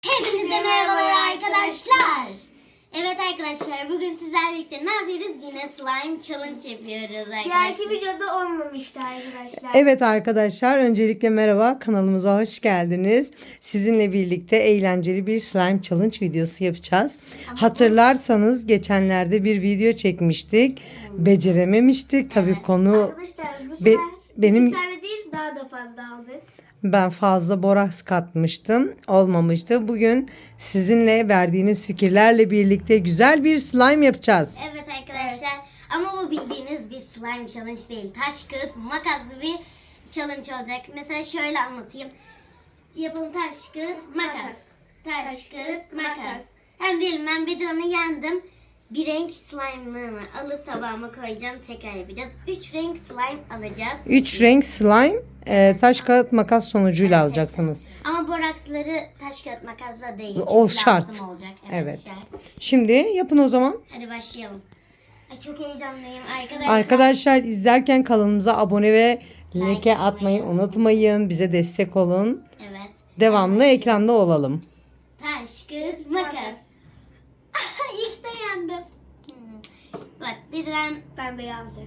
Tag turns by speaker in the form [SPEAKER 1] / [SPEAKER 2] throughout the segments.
[SPEAKER 1] Hepinize merhabalar arkadaşlar. Evet arkadaşlar, bugün sizlerle birlikte ne yapıyoruz? Yine slime challenge yapıyoruz arkadaşlar.
[SPEAKER 2] Diğerki videoda olmamıştı arkadaşlar.
[SPEAKER 3] Evet arkadaşlar, öncelikle merhaba, kanalımıza hoş geldiniz. Sizinle birlikte eğlenceli bir slime challenge videosu yapacağız. Hatırlarsanız geçenlerde bir video çekmiştik. Becerememiştik. Tabii konu
[SPEAKER 2] Arkadaşlar bu sefer
[SPEAKER 3] benim
[SPEAKER 2] bir tane değil daha da fazla aldık.
[SPEAKER 3] ben fazla boraks katmıştım. Olmamıştı. Bugün sizinle verdiğiniz fikirlerle birlikte güzel bir slime yapacağız.
[SPEAKER 1] Evet arkadaşlar, ama bu bildiğiniz bir slime challenge değil. Taş, kağıt, makaslı bir challenge olacak. Mesela şöyle anlatayım. Yapalım: taş, kağıt, makas. Taş, kağıt, makas. Yani diyelim ben Bedirhan'ı yendim. Bir renk slime'ını alıp tabağıma koyacağım. Tekrar yapacağız. 3 renk slime alacağız.
[SPEAKER 3] 3 renk slime, taş kağıt makas sonucuyla alacaksınız.
[SPEAKER 1] Ama boraksları taş, kağıt, makasla değil.
[SPEAKER 3] O
[SPEAKER 1] Çünkü
[SPEAKER 3] şart.
[SPEAKER 1] lazım olacak.
[SPEAKER 3] Evet.
[SPEAKER 1] Şart.
[SPEAKER 3] Şimdi yapın o zaman.
[SPEAKER 1] Hadi başlayalım. Ay, çok heyecanlıyım arkadaşlar.
[SPEAKER 3] Arkadaşlar, izlerken kanalımıza abone ve like
[SPEAKER 1] Like
[SPEAKER 3] atmayı unutmayın. Bize destek olun.
[SPEAKER 1] Evet.
[SPEAKER 3] Devamlı ekranda olalım.
[SPEAKER 1] Taş, kağıt, makas. İlk de yendim. Bak Bediran,
[SPEAKER 2] Ben beyazcı.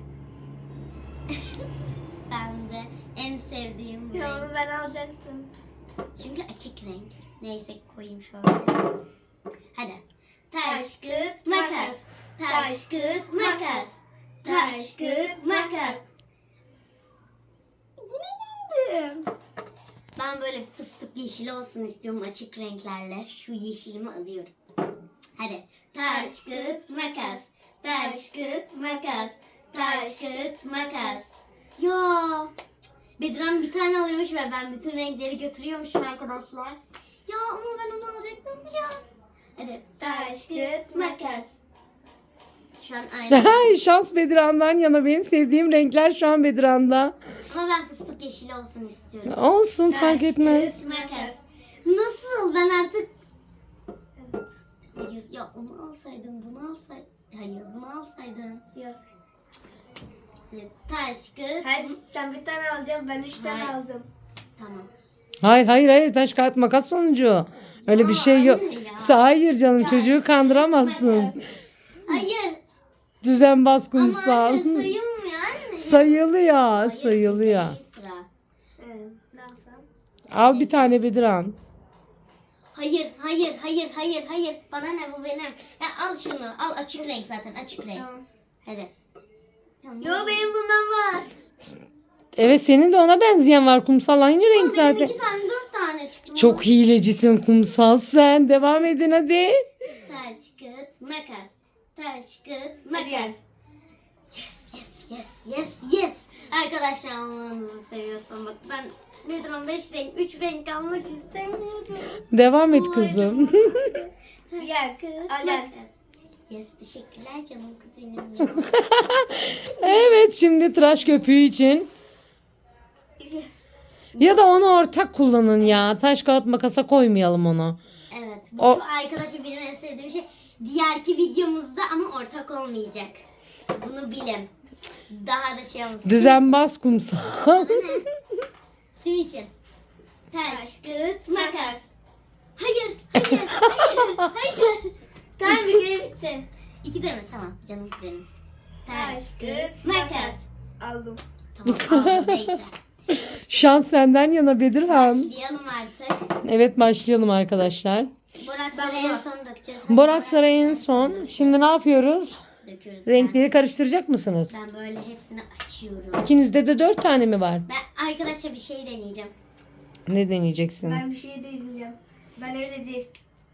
[SPEAKER 1] ben de en sevdiğim
[SPEAKER 2] Ya
[SPEAKER 1] renk.
[SPEAKER 2] onu ben alacaktım.
[SPEAKER 1] Çünkü açık renk. Neyse koyayım şöyle. Hadi. Taş, kağıt, makas. Taş, kağıt, makas. Taş, kağıt, makas. Yine yendim. Ben böyle fıstık yeşili olsun istiyorum açık renklerle. Şu yeşilimi alıyorum. Hadi. Taş, kağıt, makas. Taş, kağıt, makas. Taş, kağıt, makas. Ya. Bediran bir tane alıyormuş ve ben bütün renkleri götürüyormuşum arkadaşlar. Ya ama ben onu alacaktım ya. Hadi. Taş, kağıt, makas. Şu an aynı.
[SPEAKER 3] Şans Bedirhan'dan yana, benim sevdiğim renkler şu an Bedirhan'da.
[SPEAKER 1] Ama ben fıstık yeşili olsun istiyorum.
[SPEAKER 3] Olsun, fark etmez.
[SPEAKER 1] Taş, kağıt, makas. Nasıl? Ben artık... Hayır ya, onu alsaydın, bunu alsaydın. Hayır, bunu alsaydın.
[SPEAKER 2] Yok.
[SPEAKER 1] Hadi. Taş, kağıt,
[SPEAKER 2] Hayır sen bir tane alacaksın ben 3 tane
[SPEAKER 1] Hayır.
[SPEAKER 2] aldım.
[SPEAKER 1] Tamam.
[SPEAKER 3] Hayır, taş kağıt makas sonucu. Öyle bir şey yok.
[SPEAKER 1] anne ya.
[SPEAKER 3] Hayır canım, çocuğu kandıramazsın.
[SPEAKER 1] Hayır.
[SPEAKER 3] Düzenbaz
[SPEAKER 1] Ama
[SPEAKER 3] kumsal.
[SPEAKER 1] anne sayılmıyor anne.
[SPEAKER 3] Sayılıyor,
[SPEAKER 1] Hayır,
[SPEAKER 3] sayılıyor.
[SPEAKER 1] sıra.
[SPEAKER 2] Evet. Ne alsam?
[SPEAKER 3] Al bir tane Bedirhan.
[SPEAKER 1] Hayır. Bana ne, bu benim. Ya al şunu. Al, açık renk zaten, açık renk.
[SPEAKER 2] Tamam.
[SPEAKER 1] Hadi.
[SPEAKER 2] Yo benim bundan var.
[SPEAKER 3] Evet, senin de ona benzeyen var kumsal, aynı renk
[SPEAKER 1] Benim
[SPEAKER 3] zaten.
[SPEAKER 1] 2 tane 4 tane çıktı.
[SPEAKER 3] Çok hilecisin kumsal sen. Devam edin hadi.
[SPEAKER 1] Taş, kağıt, makas. Taş, kağıt, makas. Yes. Arkadaşlar, almanızı seviyorsam bak, ben Bedron 5 renk, 3 renk almak istemiyorum.
[SPEAKER 3] Devam et kızım.
[SPEAKER 1] Taş,
[SPEAKER 2] Gel,
[SPEAKER 1] kağıt,
[SPEAKER 2] al gel.
[SPEAKER 1] makas. Yes, teşekkürler canım kuzenim ya.
[SPEAKER 3] Evet, şimdi tıraş köpüğü için. Ya da onu ortak kullanın ya. Taş kağıt makasa koymayalım onu.
[SPEAKER 1] Evet, bu
[SPEAKER 3] O-
[SPEAKER 1] arkadaşlar benim en sevdiğim şey. Diğerki videomuzda ama ortak olmayacak. Bunu bilin. Daha da şey olmasın.
[SPEAKER 3] Düzenbaz kumsal.
[SPEAKER 1] Sim için. Taş, kağıt, makas. Hayır.
[SPEAKER 2] Tamam bir kere bitsin.
[SPEAKER 1] 2 de mi? Tamam canım kuzenim. Taş,
[SPEAKER 2] Taş,
[SPEAKER 1] kağıt,
[SPEAKER 2] kağıt,
[SPEAKER 1] makas.
[SPEAKER 2] Aldım.
[SPEAKER 1] Tamam, aldım, neyse.
[SPEAKER 3] Şans senden yana Bedirhan.
[SPEAKER 1] Başlayalım artık.
[SPEAKER 3] Evet, başlayalım arkadaşlar.
[SPEAKER 1] Boraksları en son dökeceğiz.
[SPEAKER 3] Boraksları en son. Şimdi ne yapıyoruz?
[SPEAKER 1] Döküyoruz.
[SPEAKER 3] Renkleri karıştıracak mısınız?
[SPEAKER 1] Ben böyle hepsini açıyorum.
[SPEAKER 3] İkinizde de 4 tane mi var?
[SPEAKER 1] Ben arkadaşlar bir şey deneyeceğim.
[SPEAKER 3] Ne deneyeceksin?
[SPEAKER 2] Ben bir şey deneyeceğim. Ben öyle değil.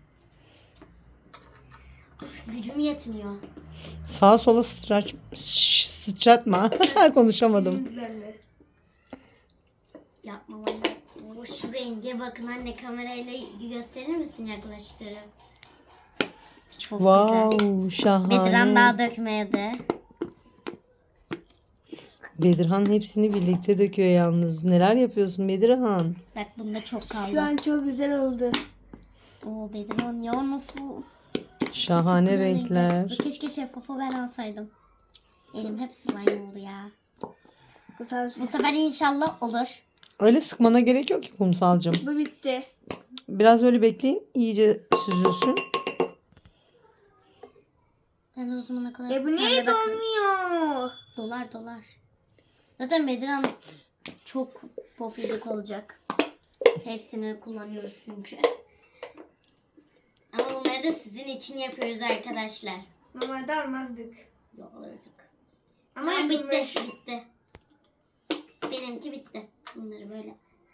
[SPEAKER 1] Gücüm yetmiyor.
[SPEAKER 3] Sağa sola sıçratma. Konuşamadım.
[SPEAKER 2] Ben de.
[SPEAKER 1] Yapma anne. O şu renge bakın anne, kamerayla gösterir misin yaklaştırıp? Çok güzel.
[SPEAKER 3] Wow, şahane.
[SPEAKER 1] Bediran daha dökmedi.
[SPEAKER 3] Bedirhan hepsini birlikte döküyor yalnız. Neler yapıyorsun Bedirhan?
[SPEAKER 1] Bak bunda çok
[SPEAKER 2] Şu
[SPEAKER 1] kaldı.
[SPEAKER 2] an çok güzel oldu.
[SPEAKER 1] Oo Bediran ya, nasıl?
[SPEAKER 3] Şahane
[SPEAKER 1] Güzel
[SPEAKER 3] renkler.
[SPEAKER 1] çıktı. Keşke şeffafı ben alsaydım. Elim hep slime oldu ya.
[SPEAKER 2] Bu sefer
[SPEAKER 1] Bu sefer inşallah olur.
[SPEAKER 3] Öyle sıkmana gerek yok ki kumsalcığım.
[SPEAKER 2] Bu bitti.
[SPEAKER 3] Biraz öyle bekleyin. İyice süzülsün.
[SPEAKER 1] Ben o zamana kadar...
[SPEAKER 2] Bu niye
[SPEAKER 1] Ben de bakın.
[SPEAKER 2] donmuyor?
[SPEAKER 1] Dolar. Zaten Bedran çok pofidik olacak. Hepsini kullanıyoruz çünkü. Ama bunları da sizin için yapıyoruz arkadaşlar.
[SPEAKER 2] Normalde almazdık.
[SPEAKER 1] Yok olurduk.
[SPEAKER 2] Ama
[SPEAKER 1] Tamam,
[SPEAKER 2] yapılmış.
[SPEAKER 1] bitti. Benimki bitti. Bunları böyle.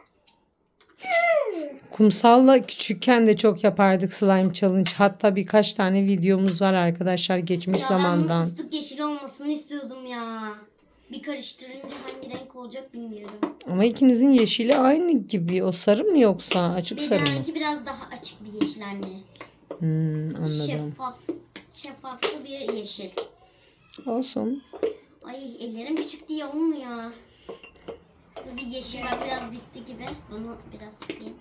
[SPEAKER 3] Kumsalla küçükken de çok yapardık slime challenge. Hatta birkaç tane videomuz var arkadaşlar geçmiş
[SPEAKER 1] Ya ben
[SPEAKER 3] zamandan.
[SPEAKER 1] bunun fıstık yeşil olmasını istiyordum ya. Bir karıştırınca hangi renk olacak bilmiyorum.
[SPEAKER 3] Ama ikinizin yeşili aynı gibi. O sarı mı yoksa açık sarı mı?
[SPEAKER 1] Benimki biraz daha açık bir yeşil anne.
[SPEAKER 3] Anladım.
[SPEAKER 1] Şeffaflı bir yeşil.
[SPEAKER 3] Olsun.
[SPEAKER 1] Ay ellerim küçük diye olmuyor. Bu bir yeşil bak biraz bitti gibi. Bunu biraz sıkayım.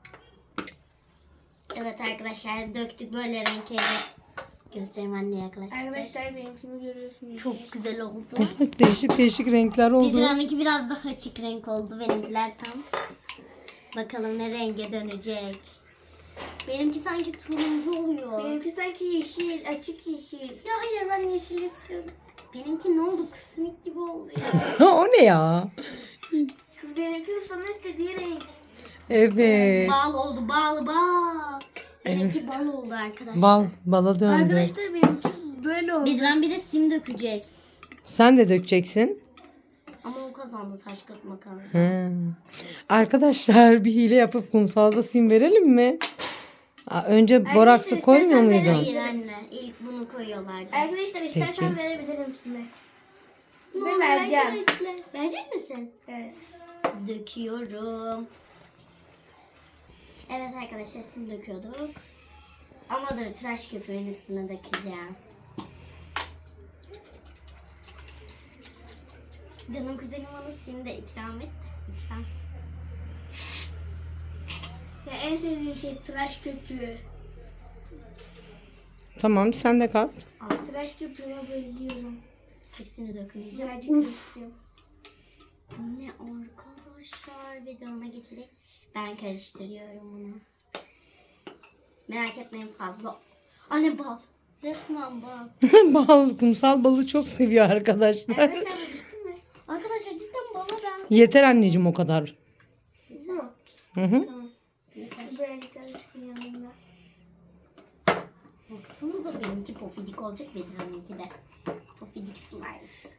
[SPEAKER 1] Evet arkadaşlar döktük böyle renkleri. Göstereyim anne yaklaştı.
[SPEAKER 2] Arkadaşlar benimkini görüyorsunuz.
[SPEAKER 1] Çok güzel oldu.
[SPEAKER 3] Değişik değişik renkler oldu.
[SPEAKER 1] Bedirhan'ınki biraz daha açık renk oldu. Benimkiler tam. Bakalım ne renge dönecek. Benimki sanki turuncu oluyor.
[SPEAKER 2] Benimki sanki yeşil, açık yeşil.
[SPEAKER 1] Ya hayır ben yeşil istiyordum. Benimki ne oldu? Kusmik gibi oldu ya.
[SPEAKER 3] O ne ya?
[SPEAKER 2] Benimki sana istediği renk.
[SPEAKER 3] Evet.
[SPEAKER 1] Bal oldu bal. Benimki bal oldu arkadaşlar.
[SPEAKER 3] Bala döndü.
[SPEAKER 2] Arkadaşlar benimki böyle oldu.
[SPEAKER 1] Bedran bir de sim dökecek.
[SPEAKER 3] Sen de dökeceksin.
[SPEAKER 1] Ama o kazandı taş kağıt makas.
[SPEAKER 3] He. Arkadaşlar bir hile yapıp kumsalda sim verelim mi? Önce boraksı koymuyor
[SPEAKER 2] istersen
[SPEAKER 3] muydun?
[SPEAKER 1] Hayır anne. İlk bunu koyuyorlardı.
[SPEAKER 2] Arkadaşlar istersen
[SPEAKER 3] Peki.
[SPEAKER 2] verebilirim size.
[SPEAKER 1] Ne
[SPEAKER 2] Ben
[SPEAKER 1] olur
[SPEAKER 2] vereceğim.
[SPEAKER 1] arkadaşlar. Verecek misin?
[SPEAKER 2] Evet.
[SPEAKER 1] Döküyorum. Evet arkadaşlar sim döküyorduk. Ama dur tıraş köpüğün üstüne dökeceğim. Canım kuzenim bana sim de ikram et. Lütfen.
[SPEAKER 2] Ya en sevdiğim şey tıraş köpüğü.
[SPEAKER 3] Tamam sen de kat.
[SPEAKER 2] Tıraş köpüğüne bayılıyorum.
[SPEAKER 1] Hepsini dökmeyeceğim.
[SPEAKER 2] Birazcık istiyorum.
[SPEAKER 1] Bu ne arkadaşlar? Bir de ona geçelim. Ben karıştırıyorum bunu. Merak etmeyin fazla. Anne bal. Resmen bal.
[SPEAKER 3] Kumsal balı çok seviyor arkadaşlar.
[SPEAKER 2] Arkadaşlar bu bitti mi?
[SPEAKER 1] Arkadaşlar cidden bala benziyor.
[SPEAKER 3] Yeter anneciğim o kadar.
[SPEAKER 2] Bitti mi?
[SPEAKER 3] Hı.
[SPEAKER 2] Tamam.
[SPEAKER 1] Yeter.
[SPEAKER 2] Birazcık daha sıkın yanında.
[SPEAKER 1] Baksanıza benimki pofidik olacak. Bedirhan'ınki de. Pofidik slime.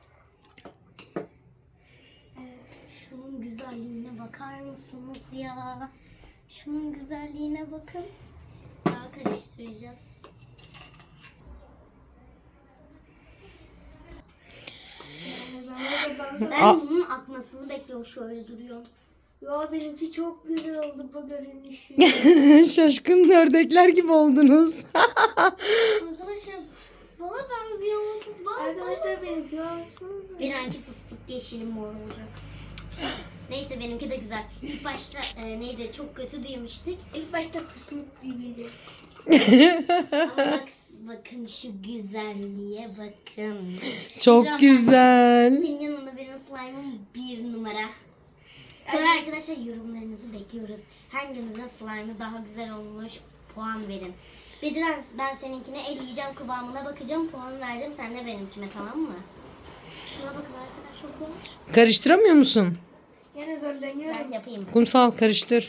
[SPEAKER 1] Şunun güzelliğine bakar mısınız ya? Şunun güzelliğine bakın. Daha karıştıracağız. Ben bunun akmasını bekliyorum. Şöyle duruyorum.
[SPEAKER 2] Ya benimki çok güzel oldu bu görünüşü.
[SPEAKER 3] Şaşkın ördekler gibi oldunuz.
[SPEAKER 1] Arkadaşlar bana benziyor.
[SPEAKER 2] Arkadaşlar benimki baksanıza.
[SPEAKER 1] Benimki fıstık yeşili mor olacak. Neyse benimki de güzel. İlk başta neydi çok kötü demiştik.
[SPEAKER 2] İlk başta kusmuk gibiydi.
[SPEAKER 1] Ama bakın şu güzelliğe bakın.
[SPEAKER 3] Çok
[SPEAKER 1] Bedran,
[SPEAKER 3] güzel.
[SPEAKER 1] Senin yanında benim slime'ım 1 numara. Sonra arkadaşlar yorumlarınızı bekliyoruz. Hangimizin slime'ı daha güzel olmuş puan verin. Bedran ben seninkine elleyeceğim kıvamına bakacağım puan vereceğim sen de benimkime tamam mı? Şuna bakın arkadaşlar bu.
[SPEAKER 3] Karıştıramıyor musun?
[SPEAKER 2] Yine zorlanıyorum.
[SPEAKER 1] Ben yapayım.
[SPEAKER 3] Kumsal karıştır.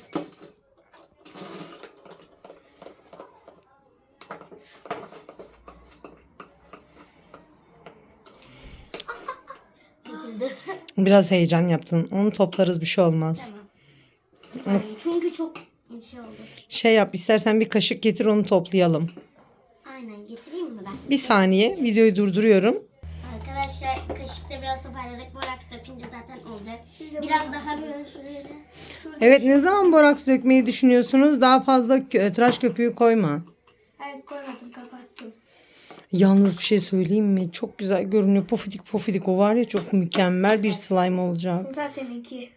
[SPEAKER 1] Döküldü.
[SPEAKER 3] Biraz heyecan yaptın. Onu toplarız bir şey olmaz.
[SPEAKER 1] Tamam. Çünkü çok şey oldu.
[SPEAKER 3] Şey yap istersen bir kaşık getir onu toplayalım.
[SPEAKER 1] Aynen getireyim mi ben?
[SPEAKER 3] Bir saniye videoyu durduruyorum.
[SPEAKER 1] Arkadaşlar kaşıkla biraz toparladık. Boraks dökünce zaten olacak. Biraz daha böyle şöyle.
[SPEAKER 3] Evet ne zaman boraks dökmeyi düşünüyorsunuz? Daha fazla tıraş köpüğü koyma.
[SPEAKER 2] Hayır koymadım kapattım.
[SPEAKER 3] Yalnız bir şey söyleyeyim mi? Çok güzel görünüyor. Pofidik pofidik o var ya çok mükemmel bir slime olacak.
[SPEAKER 2] Kumsal seninki.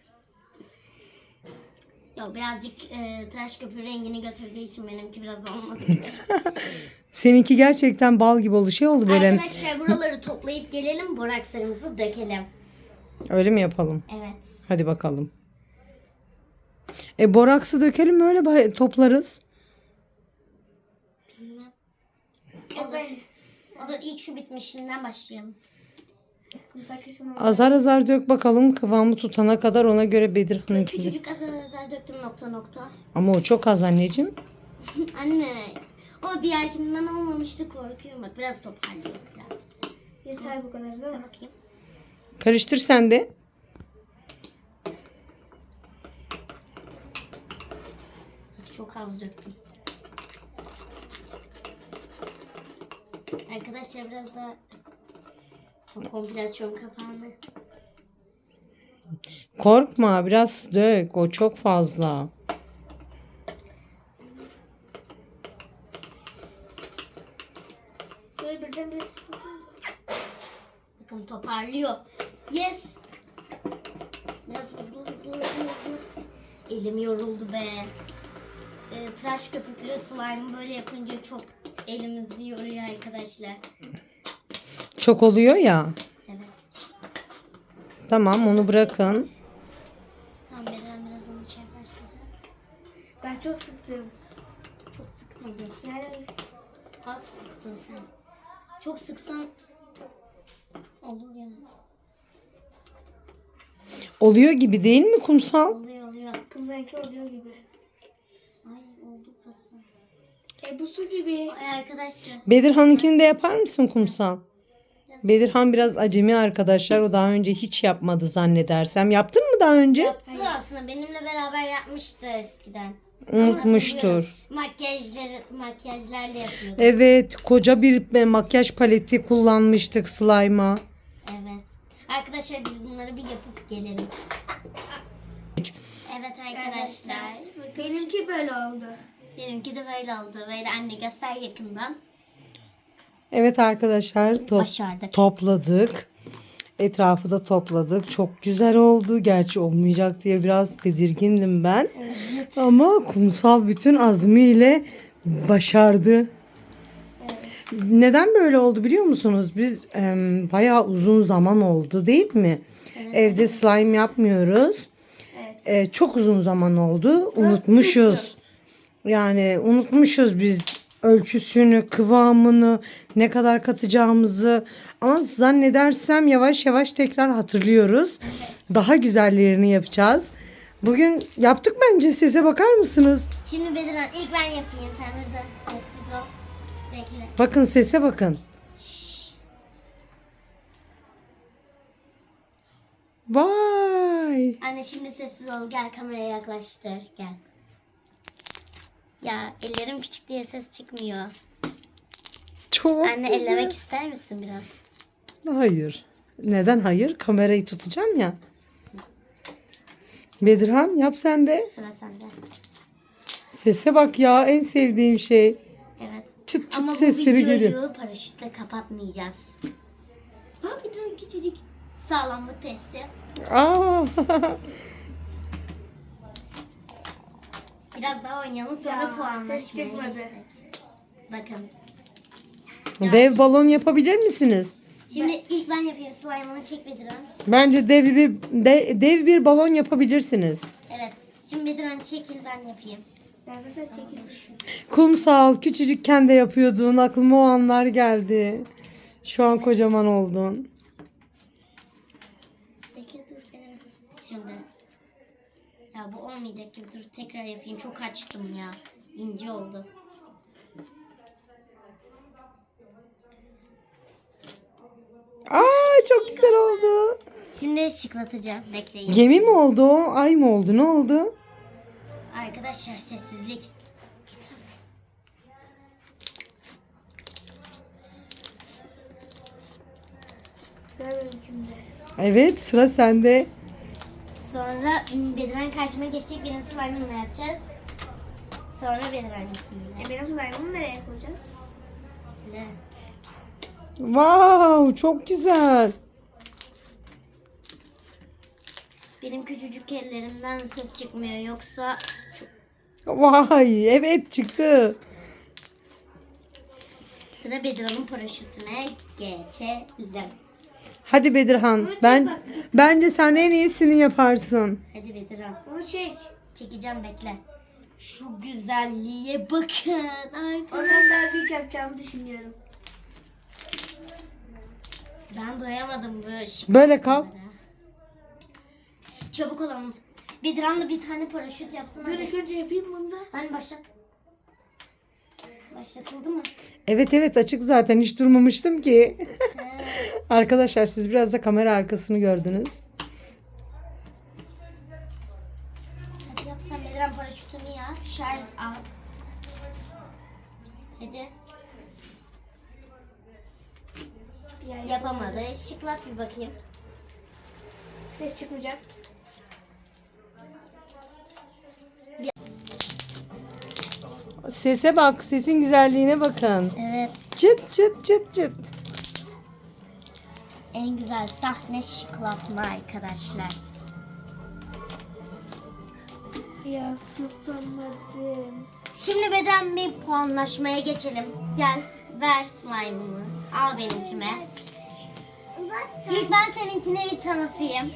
[SPEAKER 1] Yok birazcık tıraş köpüğü rengini götürdüğü için benimki biraz olmadı.
[SPEAKER 3] Seninki gerçekten bal gibi oldu. Şey oldu böyle.
[SPEAKER 1] Arkadaşlar buraları toplayıp gelelim borakslarımızı dökelim.
[SPEAKER 3] Öyle mi yapalım?
[SPEAKER 1] Evet.
[SPEAKER 3] Hadi bakalım. Boraksı dökelim öyle toplarız.
[SPEAKER 1] Bilmem.
[SPEAKER 2] Ben
[SPEAKER 1] Olur, ilk şu bitmişinden başlayalım.
[SPEAKER 2] kumsal kesin oldu.
[SPEAKER 3] Azar azar dök bakalım kıvamı tutana kadar, ona göre Bedirhan'ınkini.
[SPEAKER 1] Küçücük azar döktüm nokta.
[SPEAKER 3] Ama o çok az anneciğim.
[SPEAKER 1] Anne, o diğerkinden olmamıştı, korkuyorum. Bak biraz toparlıyor biraz.
[SPEAKER 2] Yeter bu kadar değil mi?
[SPEAKER 1] Bakayım.
[SPEAKER 3] Karıştır sen de.
[SPEAKER 1] Çok az döktüm. Arkadaşlar biraz daha komple açıyorum kapağını.
[SPEAKER 3] Korkma, biraz dök. O çok fazla.
[SPEAKER 2] Böyle birden bir
[SPEAKER 1] Bakın toparlıyor. Yes. Biraz hızlı. Elim yoruldu be. Tıraş köpüklü slime böyle yapınca çok elimizi yoruyor arkadaşlar.
[SPEAKER 3] Çok oluyor ya.
[SPEAKER 1] Evet.
[SPEAKER 3] Tamam, onu bırakın.
[SPEAKER 1] Tamam, biraz onu başlayacağım.
[SPEAKER 2] ben çok sıktım.
[SPEAKER 1] Çok sıkmadın.
[SPEAKER 2] Yani
[SPEAKER 1] Az sıktın sen. Çok sıksan olur ya.
[SPEAKER 3] Oluyor gibi değil mi kumsal?
[SPEAKER 1] Oluyor.
[SPEAKER 2] kumsalki oluyor gibi.
[SPEAKER 1] Ay oldu burası.
[SPEAKER 2] Bu su gibi.
[SPEAKER 1] Ay arkadaşlar.
[SPEAKER 3] Bedirhan'ınkini de yapar mısın kumsal? Bedirhan biraz acemi arkadaşlar. O daha önce hiç yapmadı zannedersem. Yaptın mı daha önce?
[SPEAKER 1] Yaptı aslında. Benimle beraber yapmıştı eskiden.
[SPEAKER 3] Unutmuştur.
[SPEAKER 1] Makyajlarla yapıyordu.
[SPEAKER 3] Evet, koca bir makyaj paleti kullanmıştık slime'a.
[SPEAKER 1] Evet. Arkadaşlar biz bunları bir yapıp gelelim. Evet arkadaşlar. Bakın.
[SPEAKER 2] Benimki böyle oldu.
[SPEAKER 1] Benimki de böyle oldu. Böyle anne göster yakından.
[SPEAKER 3] Evet arkadaşlar,
[SPEAKER 1] Başardık.
[SPEAKER 3] topladık. Etrafı da topladık. Çok güzel oldu. Gerçi olmayacak diye biraz tedirgindim ben.
[SPEAKER 1] Evet.
[SPEAKER 3] Ama kumsal bütün azmiyle başardı. Neden böyle oldu biliyor musunuz? Biz bayağı uzun zaman oldu değil mi?
[SPEAKER 1] Evet.
[SPEAKER 3] Evde slime yapmıyoruz. Çok uzun zaman oldu. Unutmuşuz. Yani unutmuşuz biz ölçüsünü, kıvamını, ne kadar katacağımızı. Ama zannedersem yavaş yavaş tekrar hatırlıyoruz. Daha güzellerini yapacağız. Bugün yaptık bence. Sese bakar mısınız?
[SPEAKER 1] Şimdi Bedirhan ilk ben yapayım. Sen burada sessiz ol. Bekle.
[SPEAKER 3] Bakın sese bakın. Vay.
[SPEAKER 1] Anne şimdi sessiz ol. Gel kameraya yaklaştır. Gel. Ya ellerim küçük diye ses çıkmıyor.
[SPEAKER 3] Çok
[SPEAKER 1] Anne
[SPEAKER 3] güzel.
[SPEAKER 1] ellemek ister misin biraz?
[SPEAKER 3] Hayır. Neden hayır? Kamerayı tutacağım ya. Bedirhan yap sen de.
[SPEAKER 1] Sıra sende.
[SPEAKER 3] Sese bak ya, en sevdiğim şey.
[SPEAKER 1] Evet.
[SPEAKER 3] Çıt çıt
[SPEAKER 1] Ama bu
[SPEAKER 3] sesleri
[SPEAKER 1] videoyu
[SPEAKER 3] geliyor.
[SPEAKER 1] paraşütle kapatmayacağız. Ha bir tane küçücük sağlamlık testi.
[SPEAKER 3] Aa.
[SPEAKER 1] Biraz daha oynayalım sonra
[SPEAKER 2] Ya,
[SPEAKER 1] puanlaşmaya
[SPEAKER 2] ses çıkmadı.
[SPEAKER 1] geçtik. Bakın.
[SPEAKER 3] Dev balon yapabilir misiniz?
[SPEAKER 1] Şimdi ilk ben yapayım. Slime'ını çek Bediran.
[SPEAKER 3] Bence dev bir balon yapabilirsiniz.
[SPEAKER 1] Evet. Şimdi Bediran çekil ben yapayım.
[SPEAKER 2] Ben zaten çekilmiş.
[SPEAKER 3] Kumsal küçücükken de yapıyordun. Aklıma o anlar geldi. Şu an kocaman oldun.
[SPEAKER 1] Bekle dur Bediran. Şimdi. Ya bu olmayacak gibi, dur tekrar yapayım. Çok açtım ya. İnce oldu.
[SPEAKER 3] Aa, çok güzel oldu.
[SPEAKER 1] Şimdi şıklatacağım. Bekleyin.
[SPEAKER 3] Gemi mi oldu o? Ay mı oldu? Ne oldu?
[SPEAKER 1] Arkadaşlar sessizlik.
[SPEAKER 2] Sıra benimkinde.
[SPEAKER 3] Evet, sıra sende.
[SPEAKER 1] Sonra Bediran karşıma geçecek. Benim slime'ımla yapacağız. Sonra Bediran'ınkiyle.
[SPEAKER 2] Benim slime'ımı nereye koyacağız?
[SPEAKER 1] Ne?
[SPEAKER 3] Wow, çok güzel.
[SPEAKER 1] Benim küçücük ellerimden ses çıkmıyor. Yoksa çok...
[SPEAKER 3] Vay, evet çıktı.
[SPEAKER 1] Sıra Bediran'ın paraşütüne geçelim.
[SPEAKER 3] Hadi Bedirhan, bence sen en iyisini yaparsın.
[SPEAKER 1] Hadi Bediran.
[SPEAKER 2] Onu çek.
[SPEAKER 1] Çekeceğim bekle. Şu güzelliğe bakın arkadaşlar.
[SPEAKER 2] Ondan daha büyük yapacağımı düşünüyorum.
[SPEAKER 1] Ben doyamadım bu şık.
[SPEAKER 3] Böyle kal.
[SPEAKER 1] Çabuk olalım. Bedran'la bir tane paraşüt yapsın
[SPEAKER 2] Dur
[SPEAKER 1] hadi.
[SPEAKER 2] ilk önce yapayım bunu da.
[SPEAKER 1] Hani başlat. Başlatıldı mı?
[SPEAKER 3] Evet evet, açık zaten, hiç durmamıştım ki. Arkadaşlar siz biraz da kamera arkasını gördünüz.
[SPEAKER 1] Hadi yap sen Bedran paraşütünü ya. Şarj az. Hadi. Yapamadı. Şıklat bir bakayım.
[SPEAKER 2] Ses çıkmayacak.
[SPEAKER 3] Sese bak, sesin güzelliğine bakın.
[SPEAKER 1] Evet.
[SPEAKER 3] Çıt çıt çıt çıt.
[SPEAKER 1] En güzel sahne şıklatma arkadaşlar.
[SPEAKER 2] Ya tutamadım.
[SPEAKER 1] Şimdi Bedran bir puanlaşmaya geçelim. Gel ver slime'ını. Al benimkime. İlk ben seninkine bir tanıtayım.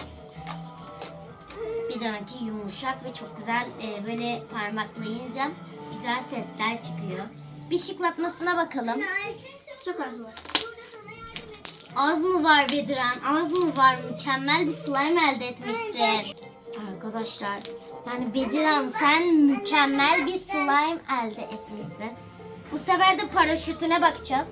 [SPEAKER 1] Bedran'ınki yumuşak ve çok güzel böyle parmaklayınca güzel sesler çıkıyor. Bir şıklatmasına bakalım.
[SPEAKER 2] Çok az var.
[SPEAKER 1] Az mı var Bedran? Az mı var? Mükemmel bir slime elde etmişsin. Arkadaşlar yani Bedran sen mükemmel bir slime elde etmişsin. Bu sefer de paraşütüne bakacağız.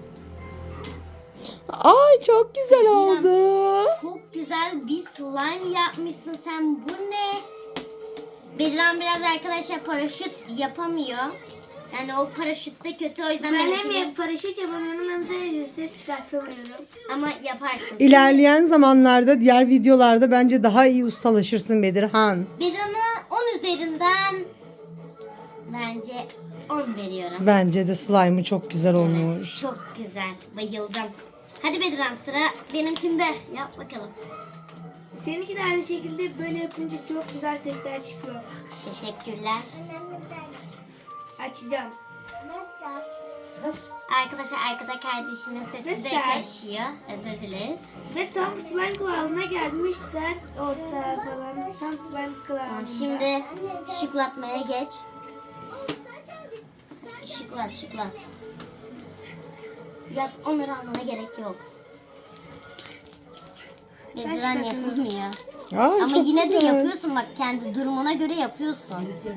[SPEAKER 3] Ay çok güzel oldu.
[SPEAKER 1] Çok güzel bir slime yapmışsın sen. Bu ne? Bedran biraz arkadaşlar paraşüt yapamıyor. Yani o paraşüt de kötü, o yüzden
[SPEAKER 2] Ben
[SPEAKER 1] benimki de-
[SPEAKER 2] hem paraşüt yapamıyorum hem de ses çıkartamıyorum.
[SPEAKER 1] ama yaparsın.
[SPEAKER 3] İlerleyen zamanlarda diğer videolarda bence daha iyi ustalaşırsın Bedirhan.
[SPEAKER 1] Bedran'a 10 üzerinden bence 10 veriyorum.
[SPEAKER 3] Bence de slime'ı çok güzel
[SPEAKER 1] Evet,
[SPEAKER 3] olmuş.
[SPEAKER 1] çok güzel. Bayıldım. Hadi Bedran sıra benimkinde. Yap bakalım.
[SPEAKER 2] Seninki de aynı şekilde böyle yapınca çok güzel sesler çıkıyor.
[SPEAKER 1] Teşekkürler.
[SPEAKER 2] Açacağım.
[SPEAKER 1] Arkadaşlar arkada kardeşimin sesi de
[SPEAKER 2] Mesela-
[SPEAKER 1] karışıyor. Özür dileriz.
[SPEAKER 2] Ve tam slime kıvamına gelmiş, sert orta falan. Tam slime kıvamında.
[SPEAKER 1] Tamam, şimdi şıklatmaya geç. Şıklat. Yap, onları almana gerek yok. Bedran
[SPEAKER 2] şıklatıyorum.
[SPEAKER 1] yapamıyor.
[SPEAKER 3] Ay,
[SPEAKER 1] Ama
[SPEAKER 3] çok
[SPEAKER 1] yine de
[SPEAKER 3] güzel.
[SPEAKER 1] yapıyorsun, bak kendi durumuna göre yapıyorsun.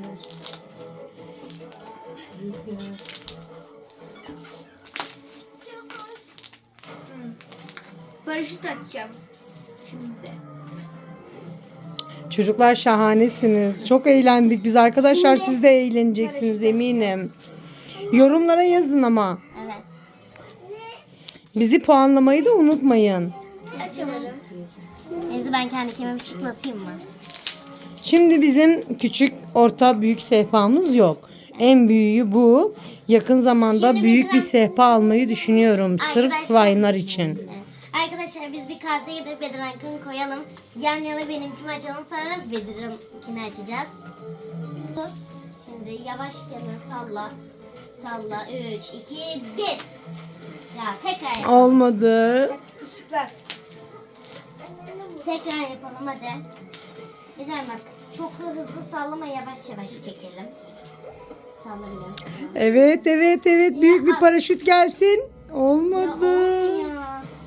[SPEAKER 2] Paraşüt açacağım. Şimdi.
[SPEAKER 3] Çocuklar şahanesiniz. Çok eğlendik biz arkadaşlar. Siz de eğleneceksiniz eminim. Yorumlara yazın ama.
[SPEAKER 1] Evet.
[SPEAKER 3] Bizi puanlamayı da unutmayın.
[SPEAKER 2] Açamadım.
[SPEAKER 1] Neyse ben kendi kendime şıklatayım mı?
[SPEAKER 3] Şimdi bizim küçük, orta, büyük sehpamız yok. En büyüğü bu. Yakın zamanda
[SPEAKER 1] Şimdi
[SPEAKER 3] büyük bir
[SPEAKER 1] Bedran-
[SPEAKER 3] sehpa almayı düşünüyorum. Sırf
[SPEAKER 1] Arkadaşlar-
[SPEAKER 3] slime'lar için.
[SPEAKER 1] Evet. Arkadaşlar biz bir kaseye gidip Bedran'ınkini koyalım. Yan yana benimkini açalım, sonra Bedran'ınkini açacağız. Tut. Şimdi yavaşça salla. Salla. 3, 2, 1. Ya tekrar yapalım.
[SPEAKER 3] Olmadı.
[SPEAKER 2] Işıklar.
[SPEAKER 1] Tekrar yapalım hadi. Bedran bak. Çok da hızlı sallama, yavaş yavaş çekelim. Salla biraz.
[SPEAKER 3] Evet. Büyük bir paraşüt gelsin.
[SPEAKER 1] Ya
[SPEAKER 3] Olmadı.
[SPEAKER 1] olmuyor.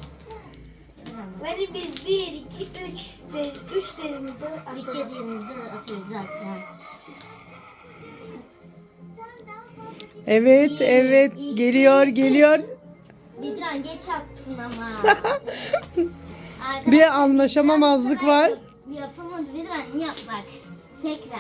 [SPEAKER 2] Böyle biz 1, 2, 3 derimizde
[SPEAKER 1] Üç
[SPEAKER 2] atalım.
[SPEAKER 1] yediğimizde atıyoruz zaten.
[SPEAKER 3] Evet. Geliyor.
[SPEAKER 1] Bedran geç attın ama. Arkadaşlar,
[SPEAKER 3] Bir anlaşamamazlık
[SPEAKER 1] bu sefer
[SPEAKER 3] var.
[SPEAKER 1] Yapamadı Bedran, yap bak. Tekrar.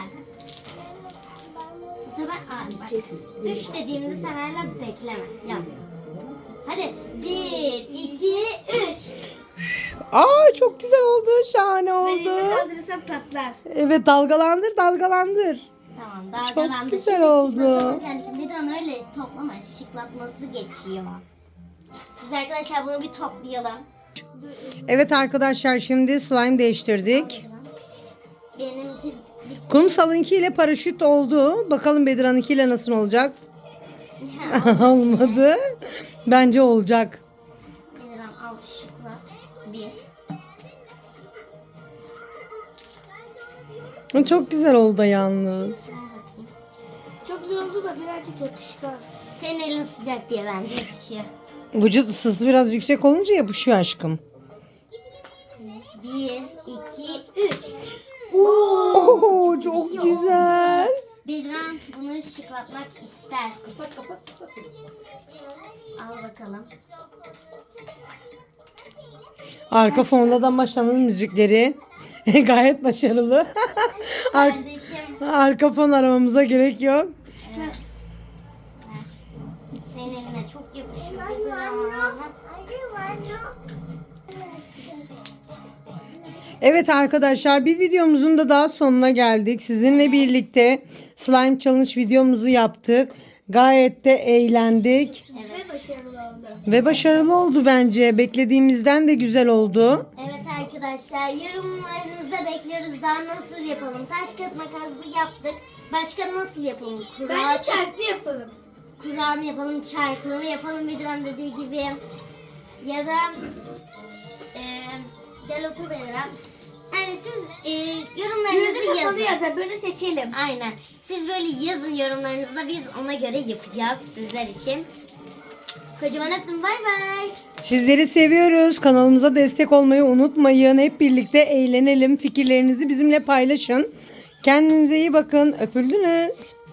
[SPEAKER 1] Bu sefer bak. 3 dediğimde sen hala bekleme. Yap. Hadi. 1, 2, 3.
[SPEAKER 3] Aa, çok güzel oldu. Şahane
[SPEAKER 2] Ben elimi
[SPEAKER 3] oldu.
[SPEAKER 2] kaldırırsam patlar.
[SPEAKER 3] Evet, dalgalandır.
[SPEAKER 1] Tamam, dalgalandı.
[SPEAKER 3] güzel
[SPEAKER 1] Şimdi
[SPEAKER 3] oldu.
[SPEAKER 1] şıklatalım kendini. Bedran öyle toplama. Şıklatması geçiyor. Biz arkadaşlar bunu bir toplayalım.
[SPEAKER 3] Evet arkadaşlar, şimdi slime değiştirdik.
[SPEAKER 1] Benimki
[SPEAKER 3] Kumsal'ınki ile paraşüt oldu. Bakalım Bedirhan'ınki ile nasıl olacak? Olmadı. Bence olacak.
[SPEAKER 1] Bedran al şıklat. 1.
[SPEAKER 3] Çok güzel oldu yalnız.
[SPEAKER 1] Ver bakayım.
[SPEAKER 2] Çok güzel oldu da birazcık yapışkan.
[SPEAKER 1] Senin elin sıcak diye bence yapışıyor.
[SPEAKER 3] Vücut ısısı biraz yüksek olunca yapışıyor aşkım.
[SPEAKER 1] 1, 2, 3.
[SPEAKER 3] Oo, çok güzel.
[SPEAKER 1] Bedran bunu şıklatmak ister.
[SPEAKER 2] Kapat.
[SPEAKER 1] Al bakalım.
[SPEAKER 3] Arka fonda da Maşa'nın müzikleri gayet başarılı.
[SPEAKER 1] Kardeşim.
[SPEAKER 3] Arka fon aramamıza gerek yok.
[SPEAKER 1] Evet. Ver. Senin eline çok yapışıyor. Bedran.
[SPEAKER 3] Evet arkadaşlar, bir videomuzun da daha sonuna geldik. Sizinle birlikte slime challenge videomuzu yaptık. Gayet de eğlendik.
[SPEAKER 1] Evet.
[SPEAKER 2] Ve başarılı oldu.
[SPEAKER 3] Ve başarılı oldu bence. Beklediğimizden de güzel oldu.
[SPEAKER 1] Evet arkadaşlar, yorumlarınızı da bekliyoruz. Daha nasıl yapalım? Taş kağıt makaslı yaptık. Başka nasıl yapalım?
[SPEAKER 2] Bence çarklı yapalım.
[SPEAKER 1] Kura mı yapalım, çarklı mı yapalım Bedran dediği gibi. Ya da gel otur Bedran. Yani siz yorumlarınızı
[SPEAKER 2] Gözü kapalı
[SPEAKER 1] yazın.
[SPEAKER 2] ya da böyle seçelim.
[SPEAKER 1] Aynen. Siz böyle yazın yorumlarınızda, biz ona göre yapacağız sizler için. Kocaman öptüm, bay bay.
[SPEAKER 3] Sizleri seviyoruz. Kanalımıza destek olmayı unutmayın. Hep birlikte eğlenelim. Fikirlerinizi bizimle paylaşın. Kendinize iyi bakın. Öpüldünüz.